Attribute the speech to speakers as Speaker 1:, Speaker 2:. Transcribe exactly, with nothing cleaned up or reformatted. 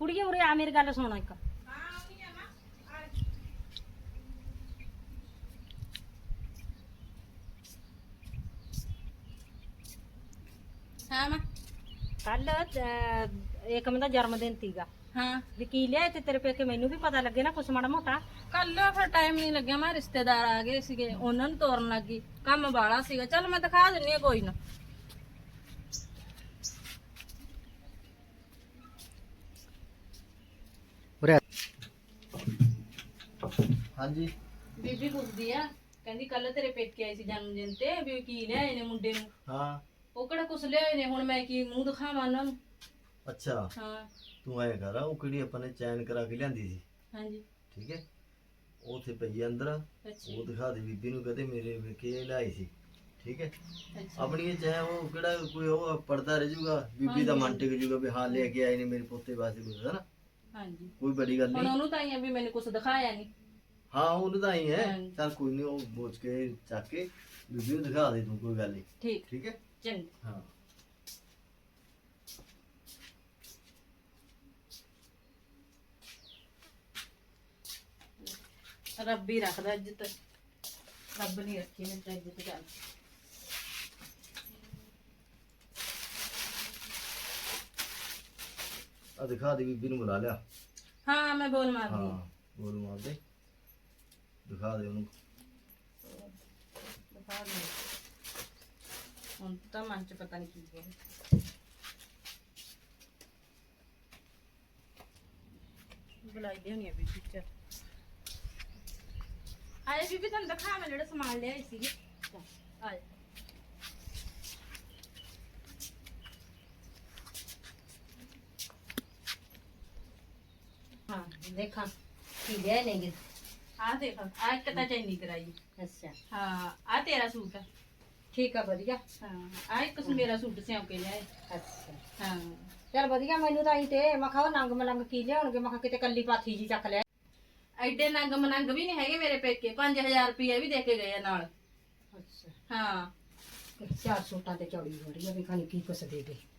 Speaker 1: ਕੁੜੀਏ ਉਰੇ ਆ ਮੇਰੀ ਗੱਲ ਸੁਣ ਇੱਕ।
Speaker 2: ਹਾਂ ਮਾਂ।
Speaker 1: ਕੱਲ ਏਕਮ ਦਾ ਜਨਮ ਦਿਨ ਸੀਗਾ,
Speaker 2: ਹਾਂ
Speaker 1: ਵੀ ਕੀ ਲਿਆਏ ਤੇ ਤੇਰੇ ਪੇਕੇ ਮੈਨੂੰ ਵੀ ਪਤਾ ਲੱਗੇ ਨਾ ਕੁਛ ਮਾੜਾ ਮੋਟਾ।
Speaker 2: ਕੱਲ ਫਿਰ ਟਾਈਮ ਨਹੀਂ ਲੱਗਿਆ, ਮੈਂ ਰਿਸ਼ਤੇਦਾਰ ਆ ਗਏ ਸੀਗੇ, ਉਹਨਾਂ ਨੂੰ ਤੋਰਨ ਲੱਗੀ, ਕੰਮ ਬਾਲਾ ਸੀਗਾ। ਚੱਲ ਮੈਂ ਦਿਖਾ ਦਿੰਨੀ ਆ, ਕੋਈ ਨਾ।
Speaker 3: ਹਾਂਜੀ
Speaker 2: ਬੀਬੀ ਪੁੱਛਦੀ ਆ, ਕਹਿੰਦੀ ਕੱਲ ਤੇਰੇ ਪੇਕੇ ਆਈ ਸੀ ਜਨਮ ਦਿਨ ਤੇ, ਵੀ ਕੀ ਲਿਆਏ ਨੇ ਮੁੰਡੇ ਨੂੰ।
Speaker 3: ਹਾਂ
Speaker 2: ਉਹ ਕਿਹੜਾ ਕੁਛ ਲਿਆਏ ਨੇ, ਹੁਣ ਮੈਂ ਕੀ ਮੂੰਹ ਦਿਖਾਵਾਂ ਉਹਨਾਂ ਨੂੰ।
Speaker 3: ਅੱਛਾ
Speaker 2: ਹਾਂ
Speaker 3: ਤੂੰ ਐ ਕਰ, ਉਹ ਕਿਹੜੀ ਆਪਾਂ ਨੇ ਚੈਨ ਕਰਾ ਕੇ ਲਿਆਂਦੀ ਸੀ,
Speaker 2: ਹਾਂਜੀ
Speaker 3: ਠੀਕ ਹੈ, ਉਹ ਉੱਥੇ ਪਈ ਆ ਅੰਦਰ,
Speaker 2: ਅੱਛਾ
Speaker 3: ਉਹ ਦਿਖਾ ਦੇ ਬੀਬੀ ਨੂੰ, ਕਹਦੇ ਮੇਰੇ ਵੇਖੇ ਲਿਆਈ ਸੀ, ਠੀਕ ਹੈ।
Speaker 2: ਅੱਛਾ
Speaker 3: ਆਪਣੀ ਇਹ ਚਾਹੇ ਉਹ ਕਿਹੜਾ ਕੋਈ ਉਹ ਪੜਦਾ ਰਹਿ ਜੂਗਾ, ਬੀਬੀ ਦਾ ਮਨ ਟਿਕ ਜੂਗਾ ਵੀ ਹਾਂ ਲੈ ਕੇ ਆਏ ਨੇ ਮੇਰੇ ਪੋਤੇ ਵਾਸਤੇ ਕੁਝ, ਹੈ ਨਾ,
Speaker 2: ਹਾਂਜੀ।
Speaker 3: ਕੋਈ ਬੜੀ ਗੱਲ
Speaker 2: ਹੁਣ
Speaker 3: ਨਹੀਂ।
Speaker 2: ਉਹਨੂੰ ਤਾਂ ਹੀ ਆ ਵੀ ਮੈਨੂੰ ਕੁਛ ਦਿਖਾਇਆ ਨਹੀਂ।
Speaker 3: ਹਾਂ ਉਹਨੂੰ ਤਾਂ ਹੀ ਹੈ,
Speaker 2: ਹਾਂਜੀ।
Speaker 3: ਚੱਲ ਕੋਈ ਨਹੀਂ, ਉਹ ਬੋਝ ਕੇ ਚੱਕ ਕੇ ਬੀਬੀ ਨੂੰ ਦਿਖਾ ਦੇ ਤੂੰ, ਕੋਈ ਗੱਲ ਨਹੀਂ,
Speaker 2: ਠੀਕ
Speaker 3: ਠੀਕ ਹੈ।
Speaker 2: ਚੰਗਾ।
Speaker 3: ਹਾਂ
Speaker 2: ਰੱਬ ਹੀ ਰੱਖਦਾ ਇੱਜ਼ਤ, ਰੱਬ ਨਹੀਂ ਰੱਖੀ ਮੇਰੇ ਤਾਂ ਇੱਜ਼ਤ। ਚੱਲ
Speaker 3: ਆ ਦਿਖਾ ਦੇ, ਬੀਬੀ ਨੂੰ ਬੁਲਾ ਲਿਆ।
Speaker 2: ਹਾਂ ਮੈਂ ਬੋਲ ਮਾਰਦੀ ਹਾਂ।
Speaker 3: ਹਾਂ ਬੋਲ ਮਾਰ ਦੇ, ਦਿਖਾ ਦੇ ਉਹਨੂੰ।
Speaker 2: ਦਿਖਾ ਦੇ। ਹੁਣ ਤਾਂ ਮਨ ਚ ਪਤਾ ਨਹੀਂ ਕੀ ਹੈ। ਬੁਲਾਈ ਦੇ ਹੋਣੀ ਆ ਬੀਬੀ। ਚ ਆਏ ਬੀਬੀ, ਤੁਹਾਨੂੰ ਦਿਖਾ ਮੈਂ ਜਿਹੜਾ ਸਮਾਨ ਲਿਆਈ ਸੀਗੀ। ਆਏ
Speaker 1: ਹਾਂ ਦੇਖਾਂ ਕੀ ਲਿਆਏ ਨੇਗੇ।
Speaker 2: ਆ ਦੇਖ, ਆ ਇੱਕ ਤਾਂ ਚੈਨੀ ਕਰਾਈ।
Speaker 1: ਅੱਛਾ
Speaker 2: ਹਾਂ ਆ ਤੇਰਾ ਸੂਟ ਆ।
Speaker 1: ਠੀਕ ਆ ਵਧੀਆ।
Speaker 2: ਹਾਂ ਆ ਇੱਕ ਮੇਰਾ ਸੂਟ ਸਿਉਂ ਕੇ ਲਿਆਏ।
Speaker 1: ਅੱਛਾ
Speaker 2: ਹਾਂ
Speaker 1: ਚੱਲ ਵਧੀਆ, ਮੈਨੂੰ ਤਾਂ ਹੀ ਤੇ ਮੈਂ ਕਿਹਾ ਉਹ ਨੰਗ ਮਲੰਗ ਕੀ ਲਿਆਉਣਗੇ, ਮੈਂ ਕਿਹਾ ਕਿਤੇ ਕੱਲੀ ਪਾਥੀ ਜੀ ਚੱਕ ਲਿਆ।
Speaker 2: ਐਡੇ ਨੰਗ ਮਨੰਗ ਵੀ ਨਹੀਂ ਹੈਗੇ ਮੇਰੇ ਪੇਕੇ, ਪੰਜ ਹਜ਼ਾਰ ਰੁਪਏ ਵੀ ਦੇ ਕੇ ਗਏ ਆ ਨਾਲ।
Speaker 1: ਅੱਛਾ
Speaker 2: ਹਾਂ
Speaker 1: ਚਾਰ ਸੂਟਾਂ ਤੇ ਚੌੜੀ ਹੋ ਰਹੀ ਆ ਵੀ ਖਾਣੀ ਕੀ ਕੁਛ ਦੇ ਦੇ।